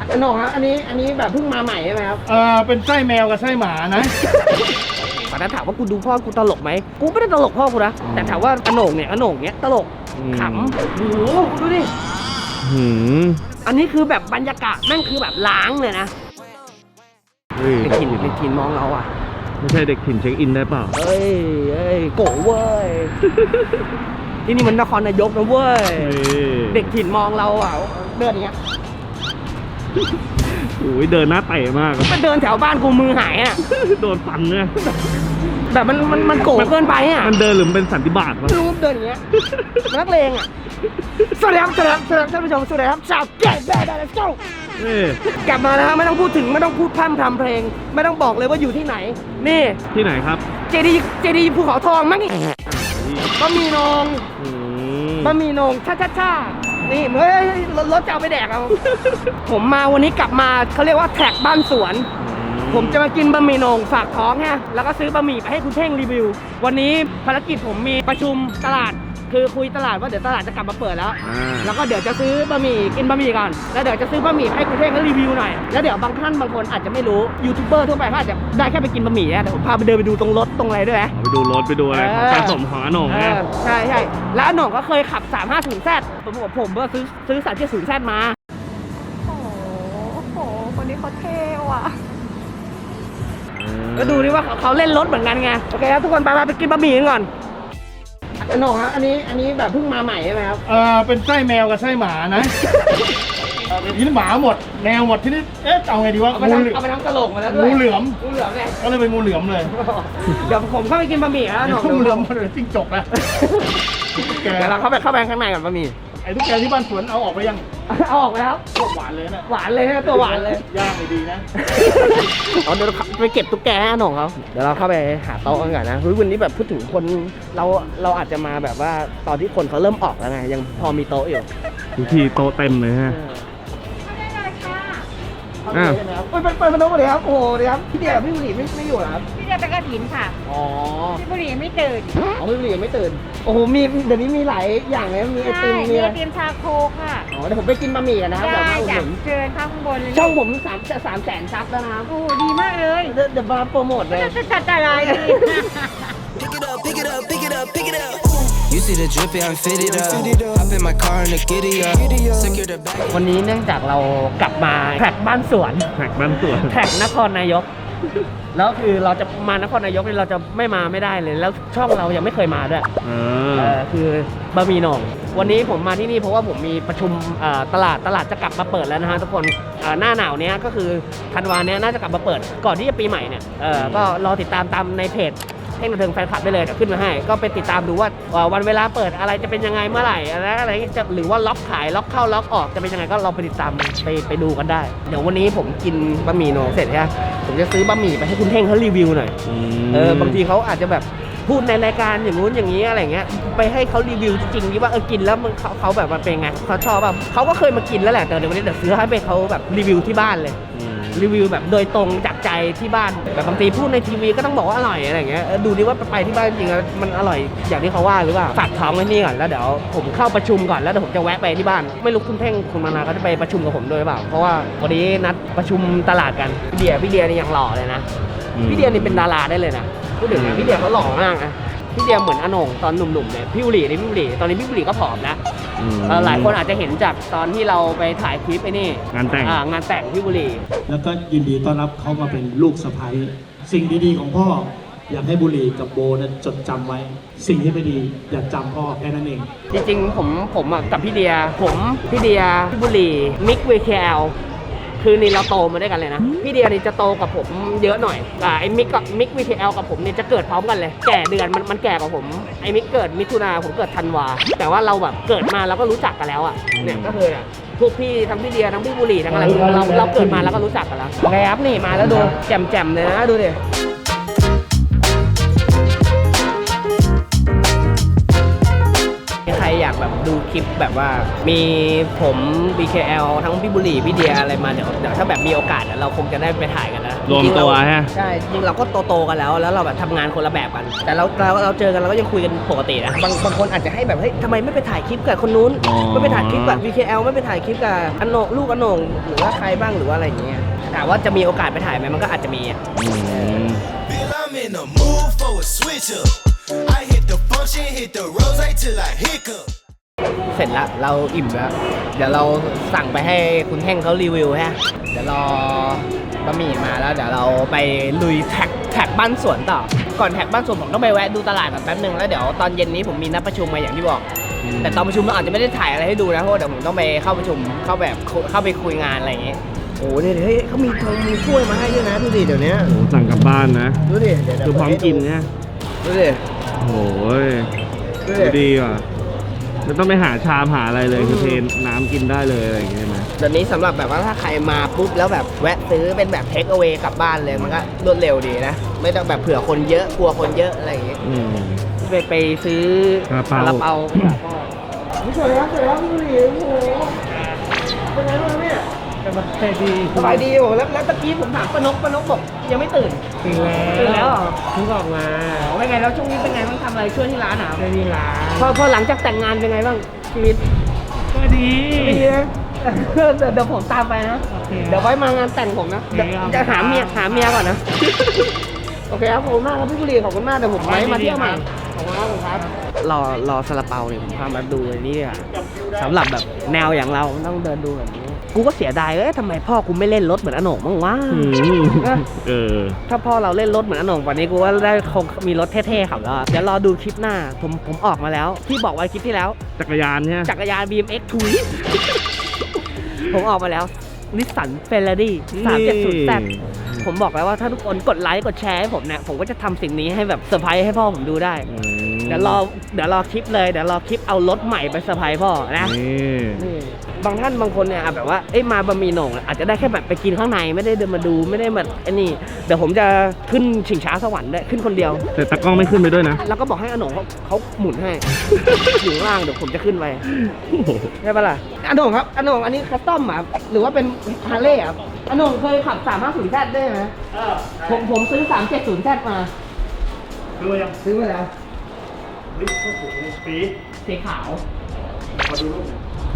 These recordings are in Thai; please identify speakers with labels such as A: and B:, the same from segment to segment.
A: หน่องครับอันนี้แบบเพิ่งมาใหม่ใช่ไหมครับ
B: เป็นไส้แมวกับไส้หมานะ
A: ตอนนั้นถามว่ากูดูพ่อกูตลกไหมกูไม่ได้ตลกพ่อกูนะแต่ถามว่าอโหน่งเนี้ยตลกขำโอ้โหดูดิอันนี้คือแบบบรรยากาศแม่งคือแบบล้างเลยนะเด็กถิ่นมองเราอ่ะ
B: ไม่ใช่เด็กถิ่นเช็คอินได้เปล่า
A: เอ้ยโกเว้ยที่นี่มันนครนายกนะเว้ยเด็กถิ่นมองเราอ่ะเดินอย่างเงี้ย
B: โอ้ยเดินหน้าเตะมาก
A: มันเดินแถวบ้านกูมือหายอ่ะ
B: โดนฟันเนี่ย
A: แบบมันโกเกินไปอ่ะ
B: มันเดินหรือเป็นสันติบาตวะ
A: รูปเดินอย่างเงี้ยนักเลงอ่ะสวัสดีครับท่านผู้ชมสวัสดีครับชาวแก่แบดเจ้ากลับมาแล้วไม่ต้องพูดถึงไม่ต้องพูดพร่ำทำเพลงไม่ต้องบอกเลยว่าอยู่ที่ไหนนี่
B: ที่ไหนครับ
A: เจดีภูเขาทองมั้งนี่บะหมี่นงช่านี่เฮ้ยรถจะเอาไปแดกเอาผมมาวันนี้กลับมาเขาเรียกว่าแท็กบ้านสวนผมจะมากินบะหมี่นงฝากท้องฮะแล้วก็ซื้อบะหมี่ไปให้คุณเท่งรีวิววันนี้ภารกิจผมมีประชุมตลาดคือคุยตลาดว่าเดี๋ยวตลาดจะกลับมาเปิดแล้วก็เดี๋ยวจะซื้อบะหมี่กินบะหมี่ก่อนแล้วเดี๋ยวจะซื้อบะหมี่ให้คุณเท่งรีวิวหน่อยแล้วเดี๋ยวบางท่านบางคนอาจจะไม่รู้ยูทูบเบอร์ทั่วไปเขาอาจจะได้แค่ไปกินบะหมี่แต่ผมพาไปเดินไปดูตรงรถตรงอะไรด้วย
B: ไปดูรถไปดูอะไรของการสมของอโหน่ง
A: ใช่แล้วอโหน่งก็เคยขับ 350Z ผมก็ซื้อ 370Z มา
C: โอ้โหคนนี้เขาเท่ว่ะ
A: ก็ดูดิว่าเขาเล่นรถเหมือนกันไงโอเคครับทุกคนไปกินบะหมี่กันก่อนหน่องครับอันนี้แบบเพิ่งมาใหม่ใช่ไหมครับ
B: เป็นไส้แมวกับไส้หมานะทีนี้หมาหมดแมวหมดที่นี่เอาไงดีวะ
A: เอาไปทำตลกมาแล้วด้วย
B: งูเหลือม
A: ไง
B: ก็เลยเป็นงูเหลือมเลย
A: เดี๋ยวผมเข้าไปกินบะหมี่แล้วหน่อง
B: งูเหลือมมันเลยจิ้งจกนะ
A: เดี๋ยวเราเข้าไปข้างในกันบะหมี่
B: ไอ้ตุ๊กแกที่บ้านสวนเอาออกไปยัง
A: เอาออกไปแล้ว
B: ตัวหวานเลยนะ
A: ตัวหวานเลย
B: ย่างดีนะ
A: เดี๋ยวเราไปเก็บตุ๊กแกให้หน่องเขาเดี๋ยวเราเข้าไปหาโต๊ะกันก่อนนะวันนี้แบบพูดถึงคนเราอาจจะมาแบบว่าตอนที่คนเขาเริ่มออกแล้วไงยังพอมีโต๊ะอยู่
B: ทุกทีโต๊ะเต็มเลยฮะ
A: เปิดประตูเลยครับโอ้เดี๋ยวครับพี่เดียกับพี่บุหรี่ไม่อยู่หรอครับ
C: พี่เดียไปกระถินค่ะพี่บุหรี่ไม่ตื่น
A: พี่บุหรี่ไม่ตื่นโอ้โหมีเดี๋ยวนี้มีหลายอย่างเลยมีไอติม
C: มีไอติมชาโคค่ะ
A: เดี๋ยวผมไปกินบะหมี่กันนะครับเดี๋ยวมาอุดหนุน
C: เชิญข้างบนเลย
A: ช่องผม300,000 ซับแล้วนะครับ
C: โอ้ดีมากเลย
A: เดี๋ยวมาโปรโมทเลย
C: จะจัดอะไรดี
A: You see the drip, I'm fitted up. Hop in my car and the giddy up. Secure the bag. วันนี้เนื่องจากเรากลับมาแท็กบ้านสวน
B: แท็ก
A: นครนายกแล้วคือเราจะมานครนายกเราจะไม่ได้เลยแล้วช่องเรายังไม่เคยมาด้วยคือบะหมี่หน่องวันนี้ผมมาที่นี่เพราะว่าผมมีประชุมตลาดจะกลับมาเปิดแล้วนะฮะทุกคนหน้าหนาวเนี้ยก็คือธันวาเนี้ยน่าจะกลับมาเปิดก่อนที่จะปีใหม่เนี่ยก็รอติดตามในเพจเท่งบันเทิงแฟนคลับได้เลยเดี๋ยวขึ้นมาให้ก็ไปติดตามดูว่าวันเวลาเปิดอะไรจะเป็นยังไงเมื่อไหร่อะไรจะหรือว่าล็อกขายล็อกเข้าล็อกออกจะเป็นยังไงก็ลองไปติดตามไปดูกันได้เดี๋ยววันนี้ผมกินบะหมี่หน่องเสร็จใช่ไหมผมจะซื้อบะหมี่ไปให้คุณเท่งเขารีวิวหน่อยบางทีเขาอาจจะแบบพูดในรายการอย่างงู้นอย่างนี้อะไรเงี้ยไปให้เขารีวิวจริงๆว่ากินแล้วมันเขาแบบมันเป็นไงเขาชอบแบบเขาก็เคยมากินแล้วแหละแต่เดี๋ยววันนี้เดี๋ยวซื้อให้ไปเขาแบบรีวิวที่บ้านเลยรีวิวแบบโดยตรงจากใจที่บ้านแบบบางทีพูดในทีวีก็ต้องบอกว่าอร่อยอะไรเงี้ยดูดิว่าไปที่บ้านจริงๆมันอร่อยอย่างที่เขาว่าหรือเปล่าฝากท้องไว้นี่ก่อนแล้วเดี๋ยวผมเข้าประชุมก่อนแล้วเดี๋ยวผมจะแวะไปที่บ้านไม่รู้คุณเท่งคุณมานาเขาจะไปประชุมกับผมด้วยหรือเปล่าเพราะว่าวันนี้นัดประชุมตลาดกันพี่เดียนี่ยังหล่อเลยนะพี่เดียนี่เป็นดาราได้เลยนะพูดถึงนะพี่เดียเขาหล่อมากนะพี่เดียเหมือนอโหน่งตอนหนุ่มๆเนี่ยพี่บุหรี่ตอนนี้พี่บุหรี่ก็ผอมแล้วหลายคนอาจจะเห็นจากตอนที่เราไปถ่ายคลิปนี่
B: งาน
A: แต่งพี่บุหรี่
D: แล้วก็ยินดีต้อนรับเขามาเป็นลูกสะใภ้สิ่งดีๆของพ่ออยากให้บุหรี่กับโบนั้นจดจำไว้สิ่งที่ไม่ดีอย่าจำพ่อแค่นั้นเอง
A: จริงๆผมกับพี่เดียพี่บุหรี่มิกวีเคลคือนี่เราโตมาด้วยกันเลยนะพี่เดียนี่จะโตกับผมเยอะหน่อยไอ้มิกวีทีเอลกับผมเนี่ยจะเกิดพร้อมกันเลยแก่เดือนมันแก่กว่าผมไอ้มิกเกิดมิถุนาผมเกิดธันวาแต่ว่าเราแบบเกิดมาเราก็รู้จักกันแล้วอ่ะเนี่ยก็คือพวกพี่ทั้งพี่เดียทั้งพี่บุหรี่ทั้งอะไรเราเกิดมาแล้วก็รู้จักกันแล้วไงครับนี่มาแล้วดูแจ่มๆเลยนะดูดิใครอยากแบบดูดูคลิปแบบว่ามีผม BKL ทั้งพี่บุหรี่พี่เดียอะไรมาเดี๋ยวถ้าแบบมีโอกาสเราคงจะได้ไปถ่ายกันนะ
E: รวมตัวฮะ
A: ใช่จริงเราก็โตๆกันแล้วเราแบบทำงานคนละแบบกัน แต่เราเจอกันเราก็ยังคุยกันปกตินะบางคนอาจจะให้แบบเฮ้ยทำไมไม่ไปถ่ายคลิปกับคนนู้น
E: อ๋อ
A: ไม่ไปถ่ายคลิปกับ BKL ไม่ไปถ่ายคลิปกับอนโหนลูกอนโหนงหรือว่าใครบ้างหรือว่าอะไรอย่างเงี้ยถามว่าจะมีโอกาสไปถ่ายไหมมันก็อาจจะมีอ่ะ
F: Feel I'm in the mood for a switch up. I hit the function, hit the rose till I hiccup.
A: เสร็จแล้วเราอิ่มแล้วเดี๋ยวเราสั่งไปให้คุณแท่งเขารีวิวฮะเดี๋ยวรอบะหมี่มาแล้วเดี๋ยวเราไปลุยแท็กบ้านสวนต่อก่อนแท็กบ้านสวนผมต้องไปแวะดูตลาดก่อนแป๊บนึงแล้วเดี๋ยวตอนเย็นนี้ผมมีนัดประชุมมาอย่างที่บอก แต่ตอนประชุมเราอาจจะไม่ได้ถ่ายอะไรให้ดูนะเพราะว่าเดี๋ยวผมต้องไปเข้าประชุมเข้าไปคุยงานอะไรอย่างเงี้ยโอ้โหเนี่ยเฮ้ยเขามีถ้วยมาให้ด้วยนะดูดิเดี๋ยวนี้
E: โอ้สั่งกลับบ้านนะ
A: ดูดิเดี๋ยว
E: คือพร้อมกินเนี่ย
A: ดูดิ
E: โอ้ย
A: ดู
E: ดู
A: ดิ
E: ดีว่ะไม่ต้องไปหาชามหาอะไรเลยคือเทน้ำกินได้เลยอะไรอย่างเงี้ยนะ
A: เดี๋ยวนี้สำหรับแบบว่าถ้าใครมาปุ๊บแล้วแบบแวะซื้อเป็นแบบเทคเอา a y กลับบ้านเลยมันก็รวดเร็วดีนะไม่ต้องแบบเผื่อคนเยอะกลัวคนเยอะอะไรอย่างเงี้ย ไปซื้อ
E: ซาลาเปา
A: ไม่สวยแล้วพี่บุหรี่โอ้โหเป็นไงบ้างเนี่ยสบายดีโอ้แล้วตะกี้ผมถามป้านกบอกยังไม่ตื่นตื่นแล้วเหรอเพิ่งออกมาเป็นไงแล้วช่วงนี้เป็นไงบ้างทำอะไรช่วยที่ร้านอ่ะช่วยที่ร้านพอหลังจากแต่งงานเป็นไงบ้างชีวิตก็ดีนะเดี๋ยวผมตามไปนะเดี๋ยวไว้มางานแต่งผมนะจะหาเมียก่อนนะโอเคครับขอบคุณมากครับพี่บุหรี่ขอบคุณมากเดี๋ยวผมไว้มาเที่ยวใหม่ขอบคุณครับรอซาลาเปาเนี่ยผมพามาดูเลยนี่อ่ะสำหรับแบบแนวอย่างเราต้องเดินดูแบบนี้กูก็เสียดายทำไมพ่อกูไม่เล่นรถเหมือนอโหนงบ้างวะถ้าพ่อเราเล่นรถเหมือนอโหนงวันนี้กูว่าได้คงมีรถเท่ๆขับแล้วเดี๋ยวรอดูคลิปหน้าผมออกมาแล้วที่บอกไว้คลิปที่แล้ว
E: จักรยานเนี่ย
A: จักรยาน BMX ถุย ผมออกมาแล้วนิสสันเฟรรารี่370Zผมบอกแล้วว่าถ้าทุกคนกดไลค์กดแชร์ให้ผมเนี่ยผมก็จะทำสิ่งนี้ให้แบบเซอร์ไพรส์ให้พ่อผมดูได้เดี๋ยวรอคลิปเลยเดี๋ยวรอคลิปเอารถใหม่ไปเซอร์ไพรส์พ่อนะนี่บางท่านบางคนเนี่ยแบบว่ามาบะหมี่โหน่งอาจจะได้แค่แบบไปกินข้างในไม่ได้เดินมาดูไม่ได้แบบไอ้นี่เดี๋ยวผมจะขึ้นชิงช้าสวรรค์ด้วยขึ้นคนเดียว
E: แต่ตะกล้องไม่ขึ้นไปด้วยนะ
A: แล้วก็บอกให้อโหนงเขาหมุนให้ อยู่ข้างล่างเดี๋ยวผมจะขึ้นไปใช่ปะล่ะอโหนงครับอโหนงอันนี้คัสตอมอ่ะหรือว่าเป็นฮาร์เลย์อ่ะอโหนงเคยขับ 350Z ได้ไหมผมซื้อ 370Z มาซื้อมาแล้วสีขาวมาดูรูป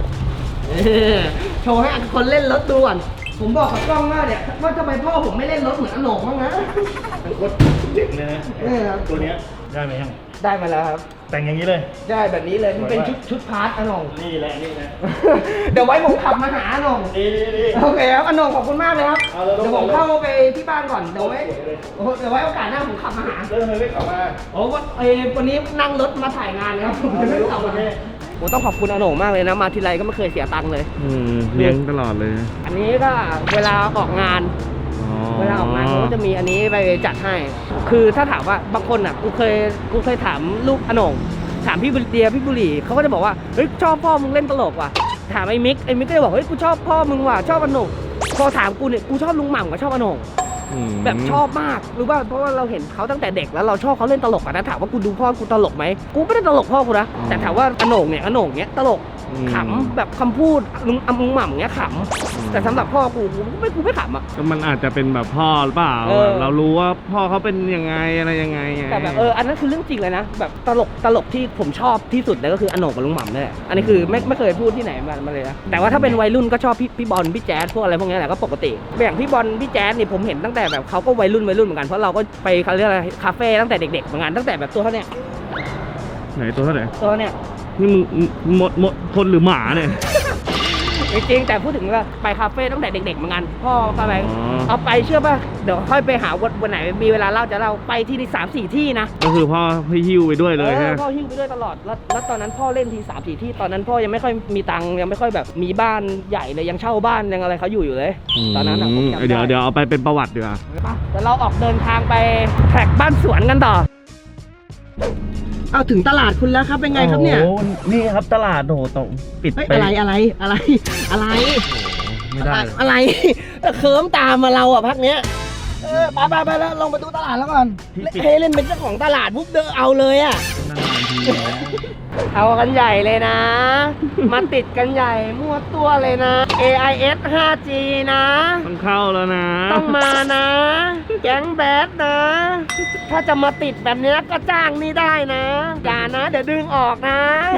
A: โชว์ให้คนเล่นรถดูก่อนผมบอกกับกล้องว่าเนี่ยว่าทำไมพ่อผมไม่เล่นรถเหมือนอโหนงบ้างนะ
B: เป็นโคตรเด็กเลยนะตัวเนี้ยได้ไหมยัง
A: ได้มาแล้วครับ
B: แต่งอย่างนี้เลย
A: ได้แบบนี้เลยมันเป็นชุดพาร์ทอโหนง
B: นี่แหละนี่นะ
A: เดี๋ยวไว้ผมขับมาหาอโหนง
B: นี่
A: โอเคครับอโหนงขอบคุณมากเลยครับ
B: เอาเลย
A: เดี๋ยวผมเข้าไปที่บ้านก่อนเดี๋ยวไว้โอกาสหน้าผมขับมาหา
B: เริ่มเลยไม่กลับมา
A: โอ้วันนี้นั่งรถมาถ่ายงานนะครับผมจะไม่กลับมาโอ้ต้องขอบคุณอโหนงมากเลยนะมาทีไรก็ไม่เคยเสียตังค์เลย
E: เลี้ยงตลอดเลย
A: อันนี้ก็เวลาออกงานเขาก็จะมีอันนี้ไปจัดให้ คือถ้าถามว่าบางคนอ่ะกูเคยถามลูกอโหนงถามพี่บุเดียพี่บุหรี่เขาก็จะบอกว่าเฮ้ยชอบพ่อมึงเล่นตลกว่ะถามไอ้มิกก็จะบอกเฮ้ยกูชอบพ่อมึงว่ะชอบอโหนงพอถามกูเนี่ยกูชอบลุงหม่ำกับชอบอโหนงแบบชอบมากรู้ป่ะเพราะว่าเราเห็นเขาตั้งแต่เด็กแล้วเราชอบเขาเล่นตลกนะถามว่ากูดูพ่อกูตลกไหมกูไม่ได้ตลกพ่อกูนะแต่ถามว่าอโหนงเนี้ยตลกขำแบบคำพูดลุงหม่ำเงี้ยขำแต่สำหรับพ่อกูไม่ขำอ่ะ
E: ก็มันอาจจะเป็นแบบพ่อหรือเปล่าเรารู้ว่าพ่อเขาเป็นยังไงอะไรยังไง
A: แต่แบบอันนั้นคือเรื่องจริงเลยนะแบบตลกที่ผมชอบที่สุดเลยก็คืออโหนงกับลุงหม่ำนี่แหละอันนี้คือไม่เคยพูดที่ไหนมาเลยนะแต่ว่าถ้าเป็นวัยรุ่นก็ชอบพี่บอลพี่แจ๊สพวกอะไรพวกนี้แหละก็ปกติอย่างพี่บอลพี่แจ๊สนี่ผมเห็นตั้งแต่แบบเขาก็วัยรุ่นเหมือนกันเพราะเราก็ไปเขาเรียกอะไรคาเฟ่ตั้งแต่เด็กๆเหมือนกันตั้งแต่แบบตัวเท่าเนี้ย
E: ไหนตัวเท่าไหร่
A: ตัวเนี้ย
E: นี่มึงหมดคนหรือหมาเนี่ย
A: จริงๆแต่พูดถึงว่าไปคาเฟ่ตั้งแต่เด็กๆเหมือนกันพ่อพาไปเอาไปเชื่อป่ะเดี๋ยวค่อยไปหาวันไหนมีเวลาเล่าจะเล่าไปที่นี่3-4 ที่นะ
E: ก็คือพ่อพี่หิ้วไปด้วยเลยใช่ไหม
A: พ่อหิ้วไปด้วยตลอดแล้วตอนนั้นพ่อเล่นที3-4 ที่ตอนนั้นพ่อยังไม่ค่อยมีตังค์ยังไม่ค่อยแบบมีบ้านใหญ่เลยยังเช่าบ้านยังอะไรเขาอยู่เลยตอนนั้นผมจำได้
E: เดี๋ยวเอาไปเป็นประวัติดีกว่า
A: เดี๋ยวเราออกเดินทางไปแท็กบ้านสวนกันต่อเอาถึงตลาดคุณแล้วครับเป็นไงครับเนี่ย
E: โอ้นี่ครับตลาดโอ้ต้องปิดไป
A: อะไร
E: ไม่ได้
A: อะไรเคิร์มตามมาเราอ่ะพักเนี้ยไปแล้วลงไปดูตลาดแล้วก่อนเล่นเป็นเจ้าของตลาดปุ๊บเดินเอาเลยอ่ะ
E: นานๆที
A: เอากันใหญ่เลยนะ มาติดกันใหญ่มั่วตัวเลยนะ AIS 5G นะ
E: ต้องเข้าแล้วนะ
A: ต้องมานะ แก๊งแบดนะ ถ้าจะมาติดแบบเนี้ยก็จ้างนี่ได้นะ อย่านะ เดี๋ยวดึงออกนะ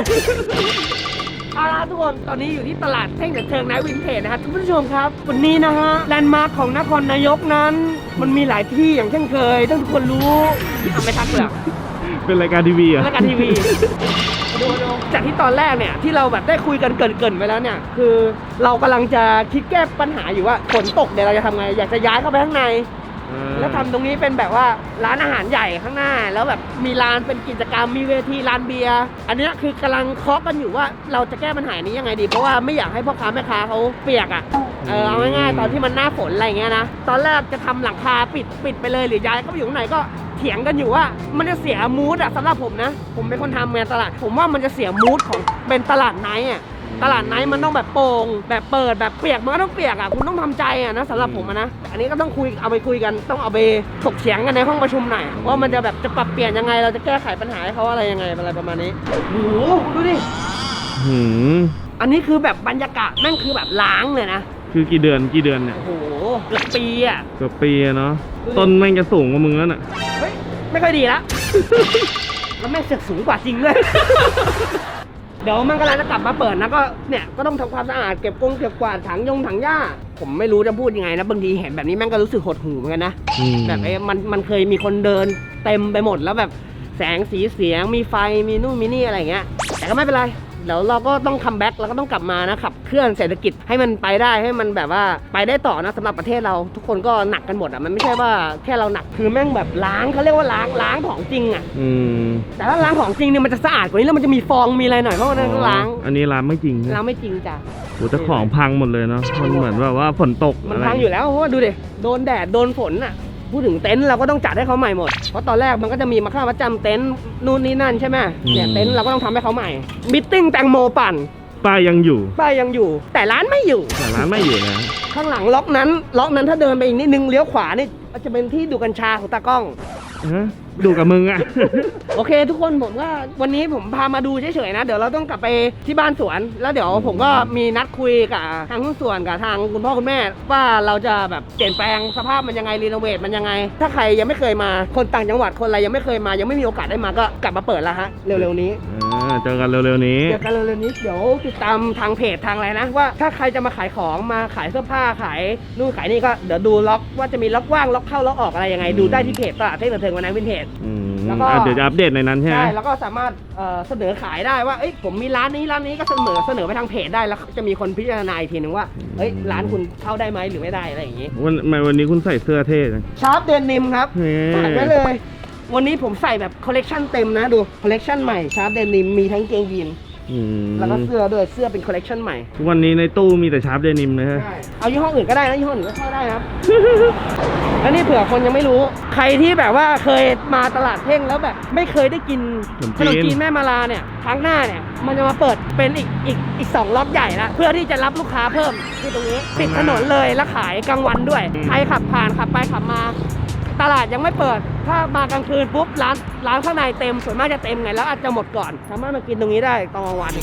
A: เอาล่ะทุกคนตอนนี้อยู่ที่ตลาดเท่งเชิงนะวินเทจนะครับคุณผู้ชมครับวันนี้นะฮะแลนด์มาร์คของนครนายกนั้น มันมีหลายที่อย่างเช่นเคยต้องทุกคนรู้ทำไม่ทักเลย
E: เป็นรายการทีวีเหรอ่ะ
A: รายการทีวีดูจากที่ตอนแรกเนี่ยที่เราแบบได้คุยกันเกรินๆไปแล้วเนี่ยคือเรากำลังจะคิดแก้ปัญหาอยู่ว่าฝนตกเดี๋ยวเราจะทำไงอยากจะย้ายเข้าไปข้างใน แล้วทำตรงนี้เป็นแบบว่าร้านอาหารใหญ่ข้างหน้า แล้วแบบมีร้านเป็นกิจกรรมมีเวทีร้านเบียร์อันนี้คือกำลังเคาะกันอยู่ว่าเราจะแก้ปัญหานี้ยังไงดีเพราะว่าไม่อยากให้พ่อค้าแม่ค้าเขาเปียกอ่ะเอาง่ายๆตอนที่มันหน้าฝนอะไรเงี้ยนะตอนแรกจะทำหลังคาปิดไปเลยหรือย้ายก็ไปอยู่ข้างในก็เถียงกันอยู่ว่ามันจะเสียมูดอ่ะสำหรับผมนะผมเป็นคนทำงานตลาดผมว่ามันจะเสียมูดของเป็นตลาดไนท์อ่ะตลาดไนท์มันต้องแบบโปร่งแบบเปิดแบบเปียกมันก็ต้องเปียกอ่ะคุณต้องทำใจอ่ะนะสำหรับผมนะอันนี้ก็ต้องเอาไปคุยกันต้องเอาไปถกเถียงกันในห้องประชุมหน่อยว่ามันจะแบบจะปรับเปลี่ยนยังไงเราจะแก้ไขปัญหาให้เขาอะไรยังไงอะไรประมาณนี้โอ้โหดูดิอันนี้คือแบบบรรยากาศนั่นคือแบบล้างเลยนะ
E: คือกี่เดือนเนี่ย
A: โอ้โหเกือบปีอ่ะ
E: เกือบปีเนาะต้นแม่งจะสูงกว่ามึงแล้วน่ะ
A: เฮ้ยไม่ค่อยดีละ แล้วแม่งเสือกสูงกว่าจริงเลย เดี๋ยวมันกำลังจะกลับมาเปิดนะก็เนี่ยก็ต้องทำความสะอาดเก็บกวาดถังหญ้าผมไม่รู้จะพูดยังไงนะบางทีเห็นแบบนี้แม่งก็รู้สึกหดหู่เหมือนกันนะแบบมันเคยมีคนเดินเต็มไปหมดแล้วแบบแสงสีเสียงมีไฟมีนู่นมีนี่อะไรอย่างเงี้ยแต่ก็ไม่เป็นไรเดี๋ยวเราก็ต้องคัมแบ็กเราก็ต้องกลับมานะขับเคลื่อนเศรษฐกิจให้มันไปได้ให้มันแบบว่าไปได้ต่อนะสำหรับประเทศเราทุกคนก็หนักกันหมดอ่ะมันไม่ใช่ว่าแค่เราหนักคือแม่งแบบล้างเขาเรียกว่าล้างของจริงอ่ะแต่ถ้าล้างของจริงเนี่ยมันจะสะอาดกว่านี้แล้วมันจะมีฟองมีอะไรหน่อยเพราะว่านั่นก็ล้าง
E: อันนี้ล้างไม่จริง
A: ล้างไม่จริงจ้ะ
E: โอ้แต่ของพังหมดเลยเนาะมันเหมือนแบบว่าฝนตก
A: มันพังอยู่แล้วเพราะว่าดูดิโดนแดดโดนฝนอ่ะพูดถึงเต็นท์เราก็ต้องจัดให้เขาใหม่หมดเพราะตอนแรกมันก็จะมีมาค่าประจำเต็นท์นู่นนี่นั่นใช่ไหมเนี่ยเต็นท์เราก็ต้องทำให้เขาใหม่มิทติ้งแตงโมปั่น
E: ป้ายยังอยู่
A: แต่ร้านไม่อยู่
E: นะ
A: ข้างหลังล็อกนั้นถ้าเดินไปอีกนิดนึงเลี้ยวขวานี่จะเป็นที่ดูกัญชาของตากล้อง
E: ดูกับมึงอ่ะ
A: โอเคทุกคนผมว่าวันนี้ผมพามาดูเฉยๆนะเดี๋ยวเราต้องกลับไปที่บ้านสวนแล้วเดี๋ยวผมก็มีนัดคุยกับทางหุ้นส่วนกับทางคุณพ่อคุณแม่ว่าเราจะแบบเปลี่ยนแปลงสภาพมันยังไงรีโนเวทมันยังไงถ้าใครยังไม่เคยมาคนต่างจังหวัดคนอะไรยังไม่เคยมายังไม่มีโอกาสได้มาก็กลับมาเปิดแล้วฮะเร็วๆนี้
E: เจอกันเร็วๆนี้
A: เดี๋ยวติดตามทางเพจทางอะไรนะว่าถ้าใครจะมาขายของมาขายเสื้อผ้าขายนู่นขายนี่ก็เดี๋ยวดูล็อกว่าจะมีล็อกว่างล็อกเข้าล็อกออกอะไรยังไงดูได้ที่เพจตลาดเท่งเทิงวันนั้นวินเทจ
E: แล้วก็เดี๋ยวจะอัปเดตในนั้นใช่ไหม
A: ใช่แล้วก็สามารถเสนอขายได้ว่าผมมีร้านนี้ก็เสนอไปทางเพจได้แล้วจะมีคนพิจารณาอีกทีนึงว่าร้านคุณเข้าได้ไหมหรือไม่ได้อะไรอย่างงี้
E: วันนี้คุณใส่เสื้อเท่จัง
A: ชาร์ปเดนิมครับใส่ไปเลยวันนี้ผมใส่แบบคอลเลกชันเต็มนะดูคอลเลกชันใหม่ชาร์ปเดนิมมีทั้งเกงยีนแล้วก็เสื้อด้วยเสื้อเป็นคอลเลกชันใหม่
E: วันนี้ในตู้มีแต่ชาร์ปเดนิมนะฮะ
A: เอายี่ห้ออื่นก็ได้นะยี่ห้ออื่นก็เข้าได้ครับ แล้วนี่เผื่อคนยังไม่รู้ใครที่แบบว่าเคยมาตลาดเท่งแล้วแบบไม่เคยได้กินขนมจีนแม่มาลาเนี่ยครั้งหน้าเนี่ยมันจะมาเปิดเป็นอีก2ล็อตใหญ่ละเพื่อที่จะรับลูกค้าเพิ่มที่ตรงนี้ติดถนนเลยและขายกลางวันด้วยใครขับผ่านขับไปขับมาตลาดยังไม่เปิดถ้ามากลางคืนปุ๊บร้านข้างในเต็มส่วนมากจะเต็มไงแล้วอาจจะหมดก่อนสามารถมากินตรงนี้ได้ตอนกลางวันเมื่อ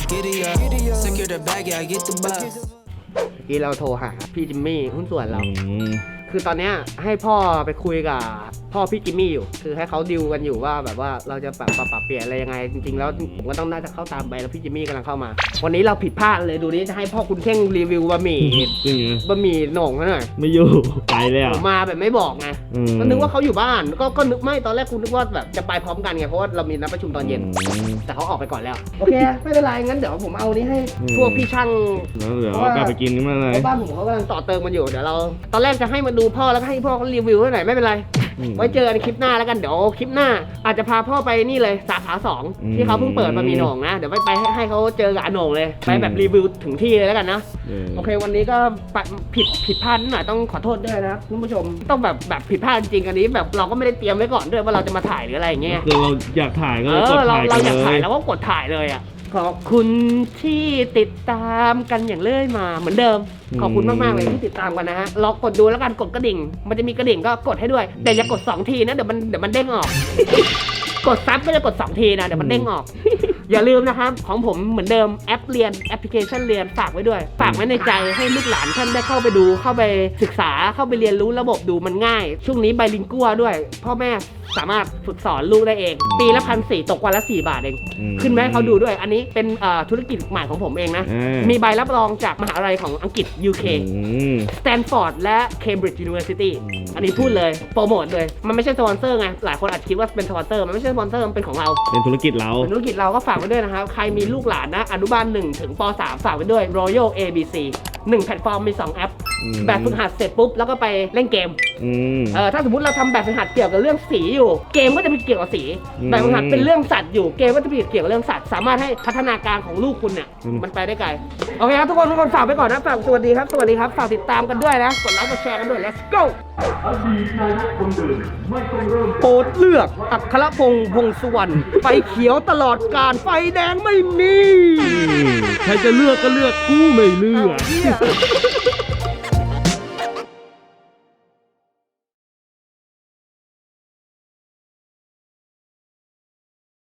A: กี้เราโทรหาพี่จิมมี่หุ้นส่วนเราคือตอนนี้ให้พ่อไปคุยกับพ่อพี่จิมมี่อยู่คือให้เขาดิวกันอยู่ว่าแบบว่าเราจะปรับเปลี่ยนอะไรยังไงจริงๆแล้วผมก็ต้องน่าจะเข้าตามไปแล้วพี่จิมมี่กำลังเข้ามาวันนี้เราผิดพลาดเลยดูนี้จะให้พ่อคุณเท่งรีวิวบะหมี่โหน่งหน่อย
E: ไม่อยู่ไปแล้ว
A: มาแบบไม่บอกไงก็นึกว่าเขาอยู่บ้านก็นึกไม่ตอนแรกคุณนึกว่าแบบจะไปพร้อมกันไงเพราะว่าเรามีนัดประชุมตอนเย็นแต่เขาออกไปก่อนแล้วโอเคไม่เป็นไรงั้นเดี๋ยวผมเอานี้ให้พวกพี่ช่าง
E: เดี๋ยวกลับไปกินกันมาเลย
A: บ้านผมเขากำลังต่อเติมมันอยู่เดี๋ยวเราตอนแรกจะให้มาดูพ่อแล้วก็ให้พ่อเขารีวิวให้หน่อยไม่เป็นไรไว้เจอกันคลิปหน้าแล้วกันเดี๋ยวคลิปหน้าอาจจะพาพ่อไปนี่เลยสาขา2ที่เขาเพิ่งเปิดมามีโหน่งนะเดี๋ยวไปให้เขาเจอกับอาโหน่งเลยไปแบบรีวิวถึงที่เลยแล้วกันนะโอเควันนี้ก็ผิดพลาดนิดหน่อยต้องขอโทษด้วยนะครับคุณผู้ชมต้องแบบผิดพลาดจริงๆอันนี้แบบเราก็ไม่ได้เตรียมไว้ก่อนด้วยว่าเราจะมาถ่ายหรืออะไรอย่างเงี้ย
E: คือเราอยากถ่ายก็กดถ่าย
A: เราอยากถ่ายแล้วก็กดถ่ายเลยอ่ะขอบคุณที่ติดตามกันอย่างเรื่อยมาเหมือนเดิมขอบคุณมากๆเลยที่ติดตามกันนะฮะลองกดดูแล้วกันกดกระดิ่งมันจะมีกระดิ่งก็กดให้ด้วยแต่อย่ากด2ทีนะเดี๋ยวมันเด้งออก กดซับก็จะกด2ทีนะเดี๋ยวมันเด้งออกอย่าลืมนะครับของผมเหมือนเดิมแอปเรียนแอปพลิเคชันเรียนฝากไว้ด้วยฝากไว้ในใจให้ลูกหลานท่านได้เข้าไปดูเข้าไปศึกษาเข้าไปเรียนรู้ระบบดูมันง่ายช่วงนี้ไบลิงกัวด้วยพ่อแม่สามารถฝึกสอนลูกได้เองปีละ1,400ตกวันละ4 บาทเองขึ้นไหมเขาดูด้วยอันนี้เป็นธุรกิจใหม่ของผมเองนะมีใบรับรองจากมหาลัยของอังกฤษ UK สแตนฟอร์ดและ Cambridge University อันนี้พูดเลยโปรโมทเลยมันไม่ใช่สปอนเซอร์ไงหลายคนอาจคิดว่าเป็นสปอนเซอร์มันไม่ใช่สปอนเซอร์มันเป็นของเรา
E: เป็นธุรกิจเรา
A: เป็นธุรกิจเราก็ฝากไว้ด้วยนะครับใครมีลูกหลานนะอนุบาล1ถึงป.3 ฝากไว้ด้วย Royal ABC 1 แพลตฟอร์มมี 2 แอปแบบฝึกหัดเสร็จปุ๊บแล้วก็ไปเล่นเกมถ้าสมมติเราทำแบบฝึกหัดเกี่ยวกับเรื่องสีอยู่เกมก็จะเป็นเกี่ยวกับสีแบบฝึกหัดเป็นเรื่องสัตว์อยู่เกมก็จะเป็นเกี่ยวกับเรื่องสัตว์สามารถให้พัฒนาการของลูกคุณเนี่ยมันไปได้ไกลโอเคครับทุกคนฝากไปก่อนนะฝากสวัสดีครับฝากติดตามกันด้วยนะกดไลค์กดแชร์กันด้วย let's go โปรดเลือกอัครพงษ์พงษ์สุวรรณไฟเขียวตลอดการไฟแดงไม่มี
E: ใครจะเลือกก็เลือกกูไม่เลือก
A: เหี้ย